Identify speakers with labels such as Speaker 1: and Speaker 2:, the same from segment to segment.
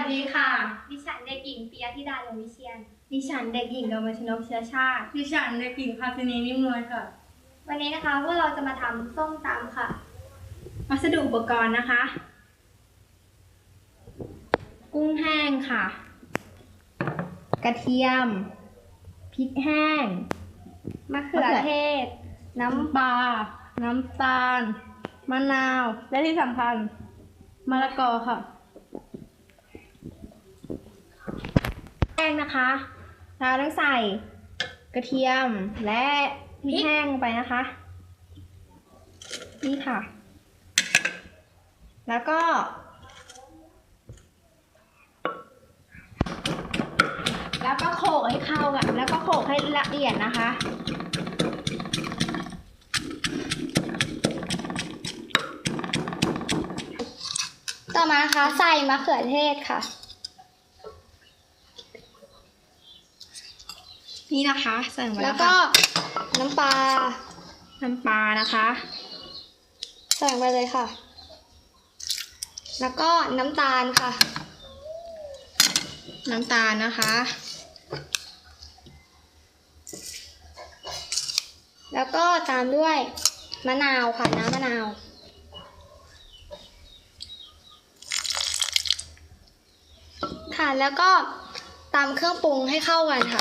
Speaker 1: สดีค่ะ
Speaker 2: ดิฉันเด็กหญิงปิยธิดาลงวิเชียน
Speaker 1: ดิฉันเด็กหญิงกมลชนกเชื้อชาติ
Speaker 3: ดิฉันเด็กหญิงภาสินีนิ่มนวลค่ะ
Speaker 2: วันนี้นะคะพวกเราจะมาทำส้มตำค่ะ
Speaker 1: วัสดุอุปกรณ์นะคะ กุ้งแห้งค่ะ กระเทียมพริกแห้ง
Speaker 2: มะเขือเทศ
Speaker 3: น้ำปลาน้ำตาลมะนาวและที่สำคัญมะละกอค่ะ
Speaker 1: แห้งนะคะเราต้องใส่กระเทียมและพริกแห้งลงไปนะคะนี่ค่ะแล้วก็โขลกให้เข้ากันแล้วก็โขลกให้ละเอียดนะคะ
Speaker 2: ต่อมานะคะใส่มะเขือเทศค่ะ
Speaker 1: นี่นะคะใส่ลงไป
Speaker 2: แล้
Speaker 1: แล้ว ว
Speaker 2: ก็
Speaker 1: ค่ะ
Speaker 2: น้ำปลา
Speaker 1: นะคะ
Speaker 2: ใส่ลงไปเลยค่ะ แล้วก็น้ำตาลค่ะ
Speaker 1: น้ำตาลนะคะ
Speaker 2: แล้วก็ตามด้วยมะนาวค่ะน้ำมะนาวค่ะแล้วก็ตามเครื่องปรุงให้เข้ากันค่ะ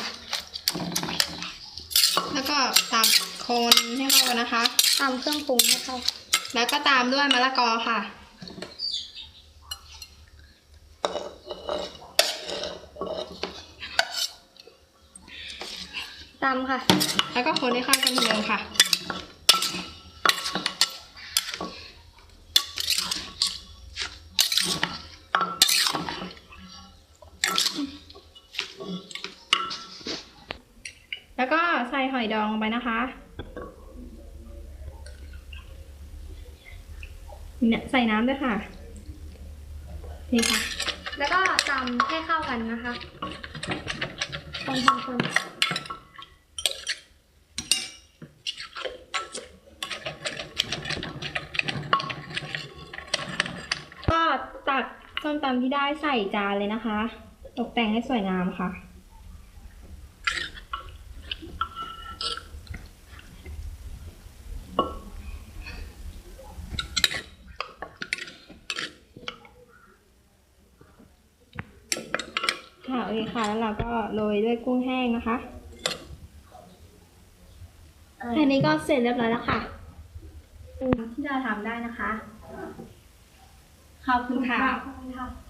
Speaker 1: แล้วก็ตามคนให้เข้ากันนะคะ
Speaker 2: ตามเครื่องปรุงให้เข้า
Speaker 1: แล้วก็ตามด้วยมะละกอค่ะ
Speaker 2: ตามค่ะ
Speaker 1: แล้วก็คนให้เข้ากันเหมือนเดิมค่ะแล้วก็ใส่หอยดองลงไปนะคะเนี่ยใส่น้ำด้วยค่ะนี่ค่ะ
Speaker 2: แล้วก็ตำให้เข้ากันนะคะคน
Speaker 1: ก็ตักส้มตำที่ได้ใส่จานเลยนะคะตกแต่งให้สวยงามค่ะค่ะโอเคค่ะแล้วเราก็โรยด้วยกุ้งแห้งนะคะแค่นี้ก็เสร็จเรียบร้อยแล้วค่ะที่เราทำได้นะคะขอบคุณค่ะ